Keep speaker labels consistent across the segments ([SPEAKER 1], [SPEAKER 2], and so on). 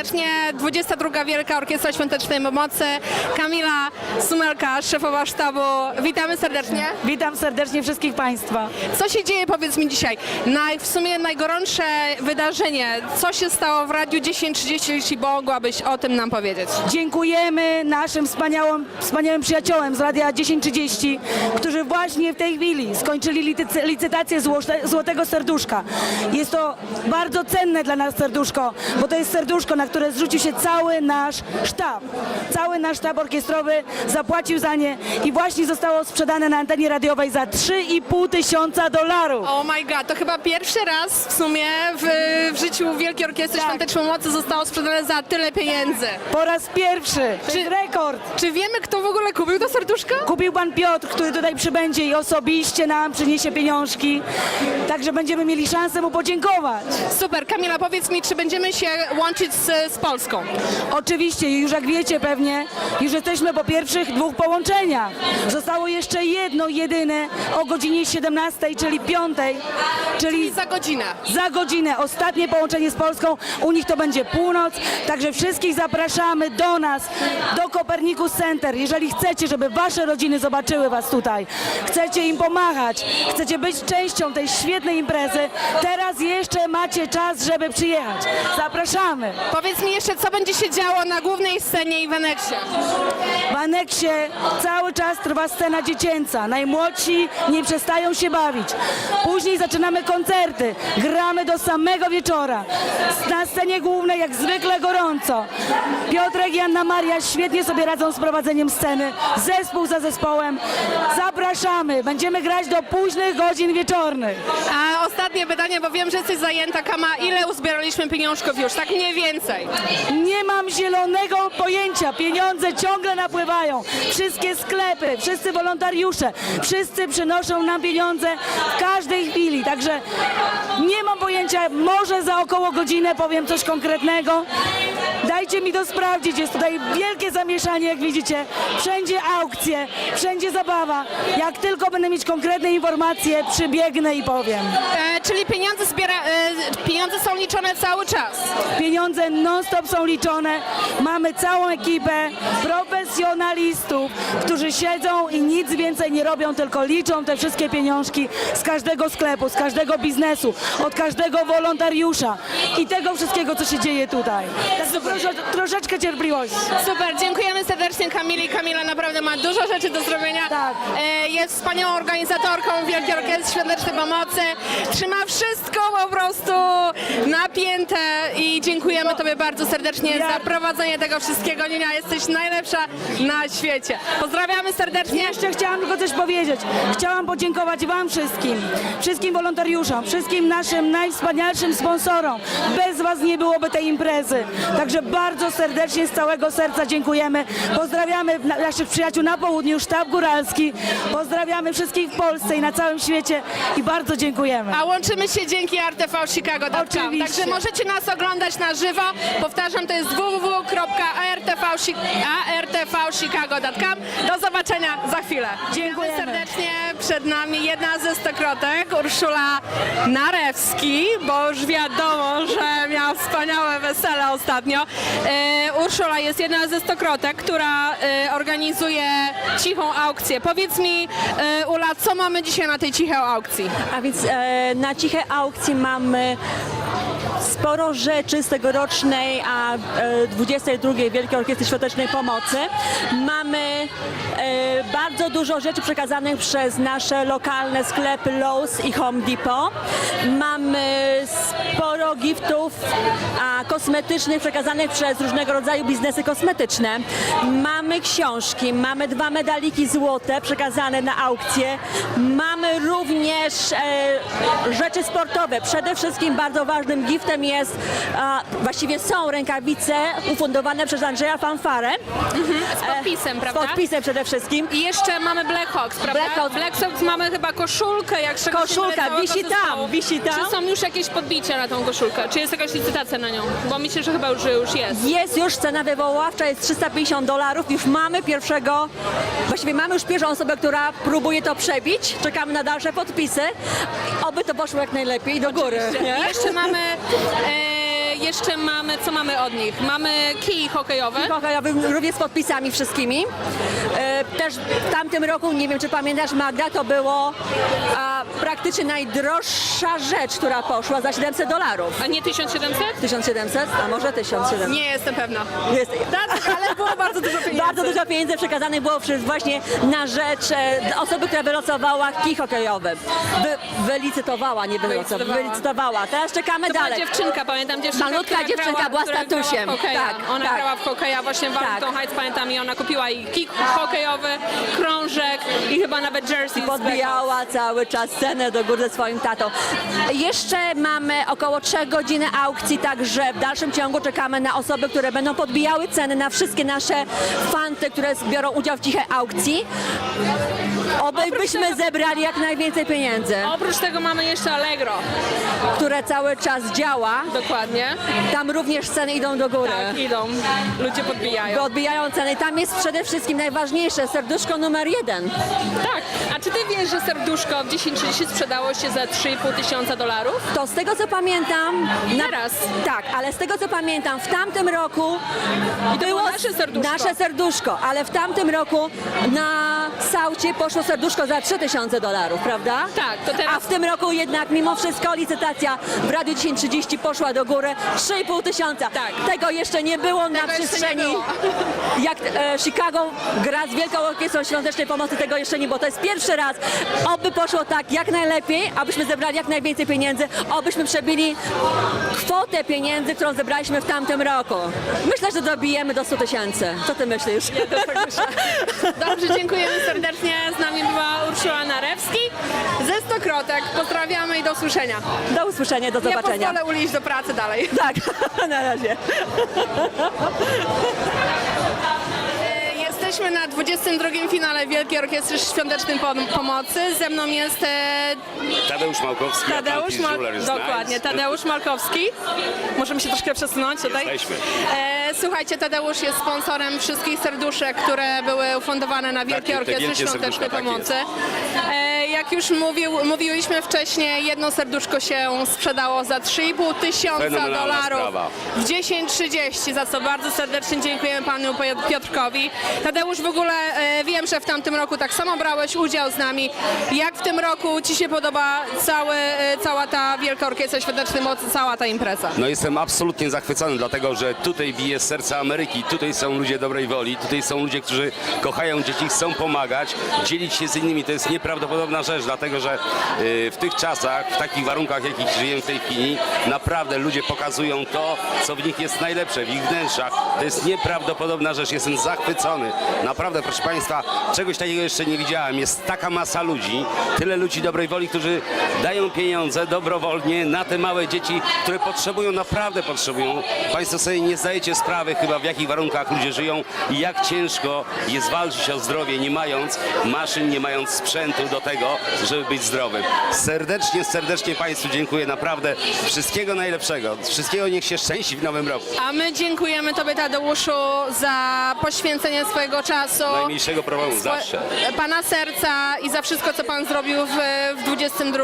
[SPEAKER 1] serdecznie. 22. Wielka Orkiestra Świątecznej Pomocy. Kamila Sumelka, szefowa sztabu. Witamy serdecznie.
[SPEAKER 2] Witam serdecznie wszystkich Państwa.
[SPEAKER 1] Co się dzieje, powiedz mi dzisiaj? W sumie najgorętsze wydarzenie. Co się stało w Radiu 1030, jeśli mogłabyś o tym nam powiedzieć?
[SPEAKER 2] Dziękujemy naszym wspaniałym przyjaciołom z Radia 1030, którzy właśnie w tej chwili skończyli licytację Złotego Serduszka. Jest to bardzo cenne dla nas serduszko, bo to jest serduszko, na które zrzucił się cały nasz sztab. Cały nasz sztab orkiestrowy zapłacił za nie i właśnie zostało sprzedane na antenie radiowej za $3,5 tysiąca.
[SPEAKER 1] Oh my god, to chyba pierwszy raz w sumie w życiu Wielkiej Orkiestry Świątecznej Pomocy zostało sprzedane za tyle pieniędzy.
[SPEAKER 2] Po raz pierwszy. To jest rekord.
[SPEAKER 1] Czy wiemy, kto w ogóle kupił to serduszko?
[SPEAKER 2] Kupił pan Piotr, który tutaj przybędzie i osobiście nam przyniesie pieniążki. Także będziemy mieli szansę mu podziękować.
[SPEAKER 1] Super. Kamila, powiedz mi, czy będziemy się łączyć z Polską?
[SPEAKER 2] Oczywiście, już jak wiecie pewnie, już jesteśmy po pierwszych 2 połączeniach. Zostało jeszcze jedno, jedyne o godzinie 17, czyli 5, czyli
[SPEAKER 1] Za godzinę.
[SPEAKER 2] za godzinę. Ostatnie połączenie z Polską, u nich to będzie północ, także wszystkich zapraszamy do nas, do Copernicus Center. Jeżeli chcecie, żeby wasze rodziny zobaczyły was tutaj, chcecie im pomagać, chcecie być częścią tej świetnej imprezy, teraz jeszcze macie czas, żeby przyjechać. Zapraszamy.
[SPEAKER 1] Powiedz mi jeszcze, co będzie się działo na głównej scenie i w aneksie?
[SPEAKER 2] W aneksie cały czas trwa scena dziecięca. Najmłodsi nie przestają się bawić. Później zaczynamy koncerty. Gramy do samego wieczora. Na scenie głównej jak zwykle gorąco. Piotrek i Anna Maria świetnie sobie radzą z prowadzeniem sceny. Zespół za zespołem. Zapraszamy. Będziemy grać do późnych godzin wieczornych.
[SPEAKER 1] A ostatnie pytanie, bo wiem, że jesteś zajęta, Kama. Ile uzbieraliśmy pieniążków już? Tak mniej więcej.
[SPEAKER 2] Nie mam zielonego pojęcia. Pieniądze ciągle napływają. Wszystkie sklepy, wszyscy wolontariusze, wszyscy przynoszą nam pieniądze w każdej chwili. Także nie mam pojęcia, może za około godzinę powiem coś konkretnego. Dajcie mi to sprawdzić. Jest tutaj wielkie zamieszanie, jak widzicie. Wszędzie aukcje, wszędzie zabawa. Jak tylko będę mieć konkretne informacje, przybiegnę i powiem.
[SPEAKER 1] Czyli pieniądze są liczone cały czas.
[SPEAKER 2] Pieniądze non-stop są liczone. Mamy całą ekipę profesjonalistów, którzy siedzą i nic więcej nie robią, tylko liczą te wszystkie pieniążki z każdego sklepu, z każdego biznesu, od każdego wolontariusza i tego wszystkiego, co się dzieje tutaj. Także proszę o troszeczkę cierpliwości.
[SPEAKER 1] Super, dziękujemy serdecznie Kamili. Kamila naprawdę ma dużo rzeczy do zrobienia.
[SPEAKER 2] Tak.
[SPEAKER 1] Jest wspaniałą organizatorką Wielkiej Orkiestry Świątecznej Pomocy. Trzyma wszystko po prostu napięte i dziękujemy Tobie bardzo serdecznie za prowadzenie tego wszystkiego. Nina, jesteś najlepsza na świecie. Pozdrawiamy serdecznie.
[SPEAKER 2] Jeszcze chciałam tylko coś powiedzieć. Chciałam podziękować Wam wszystkim, wszystkim wolontariuszom, wszystkim naszym najwspanialszym sponsorom. Bez Was nie byłoby tej imprezy. Także bardzo serdecznie, z całego serca dziękujemy. Pozdrawiamy naszych przyjaciół na południu, sztab góralski. Pozdrawiamy wszystkich w Polsce i na całym świecie i bardzo dziękujemy.
[SPEAKER 1] A łączymy się dzięki rtvchicago.com.
[SPEAKER 2] Oczywiście.
[SPEAKER 1] Także możecie nas oglądać na żywo. Powtarzam, to jest www.artvchicago.com. Do zobaczenia za chwilę.
[SPEAKER 2] Dziękujemy.
[SPEAKER 1] Serdecznie. Przed nami jedna ze stokrotek, Urszula Narewski, bo już wiadomo, że miała wspaniałe wesele ostatnio. Urszula jest jedna ze stokrotek, która organizuje cichą aukcję. Powiedz mi, Ula, co mamy dzisiaj na tej cichej aukcji?
[SPEAKER 3] A więc na cichej aukcji mamy sporo rzeczy z tegorocznej, a 22. Wielkiej Orkiestry Świątecznej Pomocy. Mamy bardzo dużo rzeczy przekazanych przez nasze lokalne sklepy Lowe's i Home Depot. Mamy sporo giftów kosmetycznych przekazanych przez różnego rodzaju biznesy kosmetyczne. Mamy książki, mamy 2 medaliki złote przekazane na aukcję. Mamy również rzeczy sportowe. Przede wszystkim bardzo ważnym giftem jest, właściwie są rękawice ufundowane przez Andrzeja Fanfarę.
[SPEAKER 1] Z podpisem,
[SPEAKER 3] Z
[SPEAKER 1] prawda?
[SPEAKER 3] podpisem przede wszystkim.
[SPEAKER 1] I jeszcze mamy Black Hawks, prawda?
[SPEAKER 3] Black
[SPEAKER 1] Hawks mamy chyba koszulkę, jak czegoś
[SPEAKER 3] Koszulka,
[SPEAKER 1] całego
[SPEAKER 3] wisi
[SPEAKER 1] zespołu.
[SPEAKER 3] tam, wisi tam.
[SPEAKER 1] Czy są już jakieś podbicia na tą koszulkę? Czy jest jakaś licytacja na nią? Bo myślę, że chyba już jest.
[SPEAKER 3] Jest już cena wywoławcza, jest $350. Już mamy właściwie mamy już pierwszą osobę, która próbuje to przebić. Czekamy na dalsze podpisy. Oby to poszło jak najlepiej do góry. Nie?
[SPEAKER 1] I jeszcze mamy jeszcze mamy, co mamy od nich? Mamy kij hokejowy.
[SPEAKER 3] Hokejowy również z podpisami wszystkimi. Też w tamtym roku, nie wiem czy pamiętasz Magda, to było praktycznie najdroższa rzecz, która poszła za $700.
[SPEAKER 1] A nie 1700?
[SPEAKER 3] 1700, a może 1700.
[SPEAKER 1] Nie jestem pewna.
[SPEAKER 3] Jest.
[SPEAKER 1] Tak, ale było bardzo dużo pieniędzy.
[SPEAKER 3] Bardzo dużo pieniędzy przekazanych było właśnie na rzecz osoby, która wylosowała kij hokejowy. Wylicytowała, nie wylosowała. Wylicytowała. Teraz czekamy
[SPEAKER 1] To była
[SPEAKER 3] dalej.
[SPEAKER 1] dziewczynka, pamiętam dziewczynkę,
[SPEAKER 3] Malutka
[SPEAKER 1] która
[SPEAKER 3] dziewczynka
[SPEAKER 1] grała,
[SPEAKER 3] była
[SPEAKER 1] która grała w
[SPEAKER 3] statusiem.
[SPEAKER 1] hokeja.
[SPEAKER 3] Tak,
[SPEAKER 1] Ona
[SPEAKER 3] tak.
[SPEAKER 1] grała w hokeja właśnie w Arlington Heights, pamiętam, i ona kupiła i kij hokejowy, krążek i chyba nawet jersey.
[SPEAKER 3] Podbijała cały czas cenę do góry ze swoim tatą. Jeszcze mamy około 3 godziny aukcji, także w dalszym ciągu czekamy na osoby, które będą podbijały ceny na wszystkie nasze fanty, które biorą udział w cichej aukcji. Obyśmy zebrali jak najwięcej pieniędzy,
[SPEAKER 1] Oprócz tego mamy jeszcze Allegro.
[SPEAKER 3] które cały czas działa.
[SPEAKER 1] Dokładnie.
[SPEAKER 3] Tam również ceny idą do góry.
[SPEAKER 1] Tak, idą. Ludzie podbijają.
[SPEAKER 3] Bo odbijają ceny. Tam jest przede wszystkim najważniejsze, serduszko numer 1.
[SPEAKER 1] Tak. A czy ty wiesz, że serduszko w 10.30 sprzedało się za $3,500?
[SPEAKER 3] To z tego co pamiętam...
[SPEAKER 1] Teraz.
[SPEAKER 3] Tak, ale z tego co pamiętam, w tamtym roku
[SPEAKER 1] było nasze serduszko.
[SPEAKER 3] nasze serduszko, ale w tamtym roku na Saucie poszło serduszko za $3,000, prawda?
[SPEAKER 1] Tak, to teraz-
[SPEAKER 3] A w tym roku jednak mimo wszystko licytacja w Radiu 1030 poszła do góry 3,5 tysiąca.
[SPEAKER 1] Tak.
[SPEAKER 3] Tego jeszcze nie było na
[SPEAKER 1] jeszcze nie
[SPEAKER 3] przestrzeni.
[SPEAKER 1] było.
[SPEAKER 3] Jak Chicago gra z Wielką Orkiestrą Świątecznej Pomocy, tego jeszcze nie było. To jest pierwszy raz. Oby poszło tak jak najlepiej, abyśmy zebrali jak najwięcej pieniędzy, obyśmy przebili kwotę pieniędzy, którą zebraliśmy w tamtym roku. Myślę, że dobijemy do 100 tysięcy. Co ty myślisz?
[SPEAKER 1] Dobrze, dziękujemy serdecznie. Z nami była Urszula Narewski ze Stokrotek. Pozdrawiamy i do usłyszenia.
[SPEAKER 3] Do usłyszenia, do
[SPEAKER 1] Nie
[SPEAKER 3] zobaczenia.
[SPEAKER 1] pozwolę Uli iść do pracy dalej.
[SPEAKER 3] Tak, na razie.
[SPEAKER 1] Jesteśmy na 22. finale Wielkiej Orkiestry Świątecznej Pomocy. Ze mną jest
[SPEAKER 4] Tadeusz Małkowski, Atlantis Jewelers
[SPEAKER 1] dokładnie,
[SPEAKER 4] Nice.
[SPEAKER 1] Tadeusz Malkowski. Możemy się troszkę przesunąć tutaj.
[SPEAKER 4] Jesteśmy.
[SPEAKER 1] Słuchajcie, Tadeusz jest sponsorem wszystkich serduszek, które były ufundowane na Wielkiej
[SPEAKER 4] te
[SPEAKER 1] Orkiestry
[SPEAKER 4] wielkie
[SPEAKER 1] Świątecznej
[SPEAKER 4] serduszka, tak
[SPEAKER 1] Pomocy. Jak już mówiliśmy wcześniej, jedno serduszko się sprzedało za $3,5 tysiąca
[SPEAKER 4] Fenomenalna sprawa.
[SPEAKER 1] w 10:30, za co bardzo serdecznie dziękujemy panu Piotrkowi. Tadeusz, w ogóle wiem, że w tamtym roku tak samo brałeś udział z nami. Jak w tym roku ci się podoba cała ta Wielka Orkiestra Świątecznej Mocy, cała ta impreza?
[SPEAKER 4] No jestem absolutnie zachwycony, dlatego że tutaj bije serce Ameryki, tutaj są ludzie dobrej woli, tutaj są ludzie, którzy kochają dzieci, chcą pomagać, dzielić się z innymi. To jest nieprawdopodobna rzecz, dlatego że w tych czasach, w takich warunkach, jakich żyjemy w tej chwili, naprawdę ludzie pokazują to, co w nich jest najlepsze, w ich wnętrzach. To jest nieprawdopodobna rzecz, jestem zachwycony. Naprawdę, proszę Państwa, czegoś takiego jeszcze nie widziałem. Jest taka masa ludzi, tyle ludzi dobrej woli, którzy dają pieniądze dobrowolnie na te małe dzieci, które potrzebują, naprawdę potrzebują. Państwo sobie nie zdajecie sprawy chyba, w jakich warunkach ludzie żyją i jak ciężko jest walczyć o zdrowie, nie mając maszyn, nie mając sprzętu do tego, żeby być zdrowym. Serdecznie Państwu dziękuję, naprawdę wszystkiego najlepszego. Wszystkiego niech się szczęści w nowym roku.
[SPEAKER 1] A my dziękujemy Tobie, Tadeuszu, za poświęcenie swojego czasu.
[SPEAKER 4] Najmniejszego problemu, zawsze.
[SPEAKER 1] Pana serca i za wszystko, co Pan zrobił w 22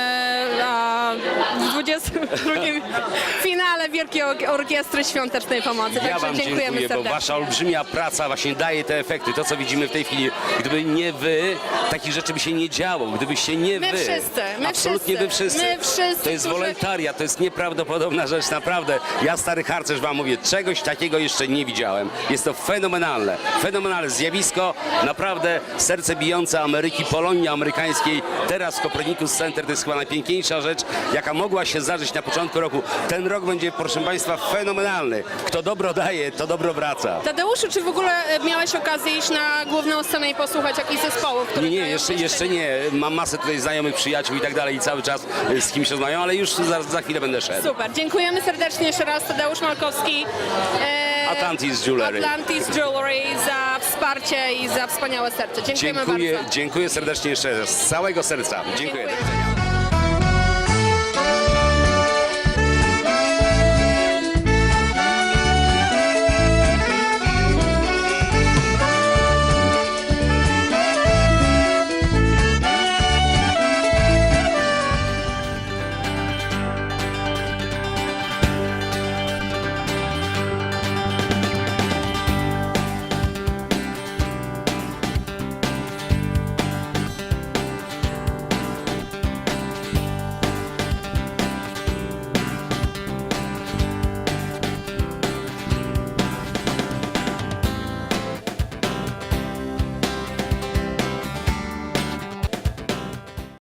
[SPEAKER 1] finale Wielkiej Orkiestry Świątecznej Pomocy.
[SPEAKER 4] Ja
[SPEAKER 1] Także
[SPEAKER 4] Wam
[SPEAKER 1] dziękujemy
[SPEAKER 4] dziękuję, bo
[SPEAKER 1] serdecznie.
[SPEAKER 4] Wasza olbrzymia praca właśnie daje te efekty. To, co widzimy w tej chwili, gdyby nie Wy, takich rzeczy by się nie działo. Gdybyście nie
[SPEAKER 1] My
[SPEAKER 4] Wy.
[SPEAKER 1] wszyscy, my
[SPEAKER 4] absolutnie
[SPEAKER 1] wszyscy,
[SPEAKER 4] Wy wszyscy.
[SPEAKER 1] my wszyscy,
[SPEAKER 4] To jest
[SPEAKER 1] którzy-
[SPEAKER 4] wolontariat, to jest nieprawdopodobna rzecz, naprawdę. Ja, stary harcerz, Wam mówię, czegoś takiego jeszcze nie widziałem. Jest to fenomenalne zjawisko, naprawdę serce bijące Ameryki, Polonii amerykańskiej. Teraz w Copernicus Center to jest chyba najpiękniejsza rzecz, jaka mogła się zdarzyć na początku roku. Ten rok będzie, proszę Państwa, fenomenalny. Kto dobro daje, to dobro wraca.
[SPEAKER 1] Tadeuszu, czy w ogóle miałeś okazję iść na główną scenę i posłuchać jakichś zespołów, które
[SPEAKER 4] Nie,
[SPEAKER 1] grają
[SPEAKER 4] jeszcze nie. Mam masę tutaj znajomych, przyjaciół i tak dalej i cały czas z kimś rozmawiam, ale już za chwilę będę szedł.
[SPEAKER 1] Super, dziękujemy serdecznie jeszcze raz, Tadeusz Malkowski.
[SPEAKER 4] Atlantis Jewelry.
[SPEAKER 1] Atlantis Jewelry za wsparcie i za wspaniałe serce. Dziękujemy bardzo.
[SPEAKER 4] Dziękuję serdecznie jeszcze raz, z całego serca. Dziękuję.
[SPEAKER 1] Dziękuję.